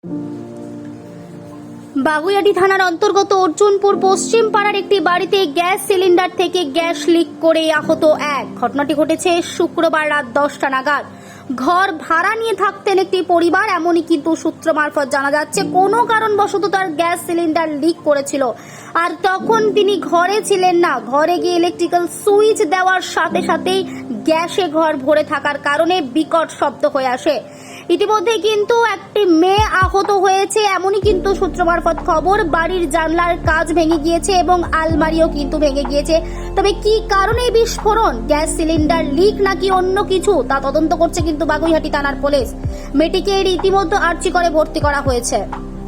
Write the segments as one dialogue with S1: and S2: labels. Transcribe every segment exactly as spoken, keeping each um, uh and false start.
S1: বাগুইআটি থানার অন্তর্গত অর্জুনপুর পশ্চিম পাড়ার একটি বাড়িতে গ্যাস সিলিন্ডার থেকে গ্যাস লিক করে আহত এক। ঘটনাটি ঘটেছে শুক্রবার রাত দশটা নাগাদ। ঘর ভাড়া নিয়ে থাকতেন একটি পরিবার, এমনই কিন্তু সূত্র মারফত জানা যাচ্ছে কোনো কারণবশত তার গ্যাস সিলিন্ডার লিক করেছিল, আর তখন তিনি ঘরে ছিলেন না। ঘরে গিয়ে ইলেকট্রিক্যাল সুইচ দেওয়ার সাথে সাথেই গ্যাসে ঘর ভরে থাকার কারণে বিকট শব্দ হয়ে আসে। ইতিমধ্যে কিন্তু একটি মেয়ে আহত হয়েছে, এমনই কিন্তু সূত্র মারফত খবর। বাড়ির জানলার কাঁচ ভেঙে গিয়েছে এবং আলমারিও কিন্তু ভেঙে গিয়েছে। তবে কি কারণে বিস্ফোরণ, গ্যাস সিলিন্ডার লিক নাকি অন্য কিছু, তা তদন্ত করছে কিন্তু বাগুইআটি থানার পুলিশ। মেয়েটিকে ইতিমধ্যে আর্চি করে ভর্তি করা হয়েছে।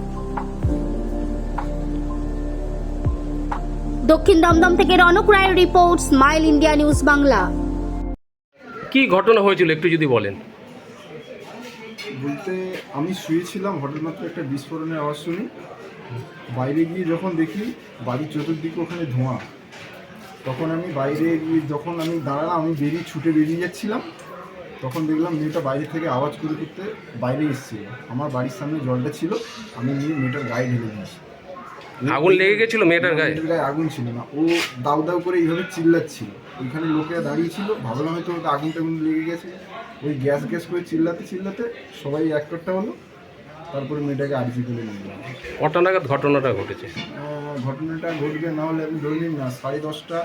S1: দক্ষিণ দমদম থেকে রনক রায়ের report, smile India news Bangla.
S2: কি ঘটনা হয়েছিল একটু যদি বলেন।
S3: বলতে আমি শুয়েছিলাম, হঠাৎ মাত্র একটা বিস্ফোরণের আওয়াজ শুনি। বাইরে গিয়ে যখন দেখি বাড়ির চতুর্দিকে ওখানে ধোঁয়া, তখন আমি বাইরে গিয়ে যখন আমি দাঁড়ালাম, আমি বেরিয়ে ছুটে বেরিয়ে যাচ্ছিলাম, তখন দেখলাম মেয়েটা বাইরে থেকে আওয়াজ করে করতে বাইরে এসেছিল। আমার বাড়ির সামনে জলটা ছিল, আমি নিয়ে মেয়েটার গায়ে ঢেলে দিয়েছি।
S2: আগুন লেগে গেছিল মেয়েটার গায়ে?
S3: মেয়েটার গায়ে আগুন ছিল না, ও দাউ দাউ করে এইভাবে চিল্লাচ্ছিল। ওইখানে লোকেরা দাঁড়িয়ে ছিল, ভাবলাম হয়তো ওকে আগুন টাগুন লেগে গেছে। ওই গ্যাস গ্যাস করে চিল্লাতে চিল্লাতে সবাই এক একটা হলো, তারপরে মেয়েটাকে আর্জি করে নিয়ে গেলাম।
S2: কটা নাগাদ ঘটনাটা ঘটেছে?
S3: ঘটনাটা ঘটবে না হলে আমি ধরে নিন না সাড়ে দশটা।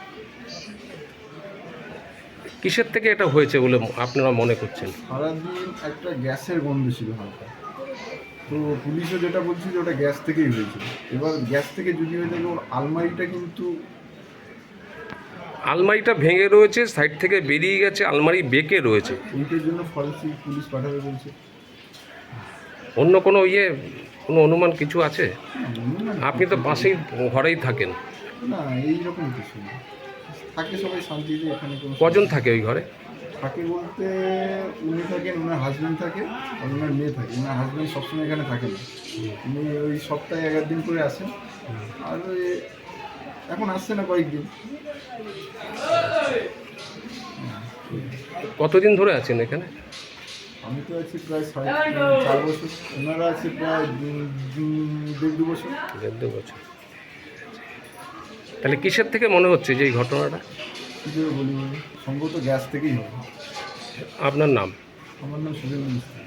S2: কিসের থেকে এটা হয়েছে বলে আপনারা মনে করছেন?
S3: সারাদিন একটা গ্যাসের গন্ধ ছিল হালকা, তো পুলিশও যেটা বলছে যে ওটা গ্যাস থেকেই হয়েছিল। এবার গ্যাস থেকে যদি হয়ে থাকে, ওর আলমারিটা কিন্তু
S2: আলমারিটা ভেঙে রয়েছে, সাইড থেকে বেরিয়ে গেছে, আলমারি বেঁকে রয়েছে।
S3: এইটার জন্য ফরেন্সিক পুলিশ পাঠাবে বলছে।
S2: অন্য কোনো ইয়ে কোনো অনুমান কিছু আছে? আপনি তো পাশেই ঘরেই থাকেন।
S3: না, এইরকম কিছু না, থাকে সবাই শান্তিতে। এখানে কোনো
S2: কজন থাকে ওই ঘরে?
S3: থাকে বলতে উনি থাকেন, ওনার হাজব্যান্ড থাকে, আর ওনার মেয়ে থাকে। ওনার হাজব্যান্ড সবসময় এখানে থাকে না, উনি ওই সপ্তাহে এক দিন করে আসেন, আর ওই এখন আসছে না কয়েকদিন।
S2: কতদিন ধরে আছেন এখানে?
S3: আমি তো আছি প্রায় সাড়ে চার বছর, ওনারা আছে প্রায় দেড় দু বছর।
S2: দেড় দু বছর। তাহলে কিসের থেকে মনে হচ্ছে যে এই ঘটনাটা?
S3: কী করে বলি, সম্ভবত গ্যাস থেকেই হবে।
S2: আপনার নাম?
S3: আমার নাম সুরেন্দ্র মিস্ত্রি।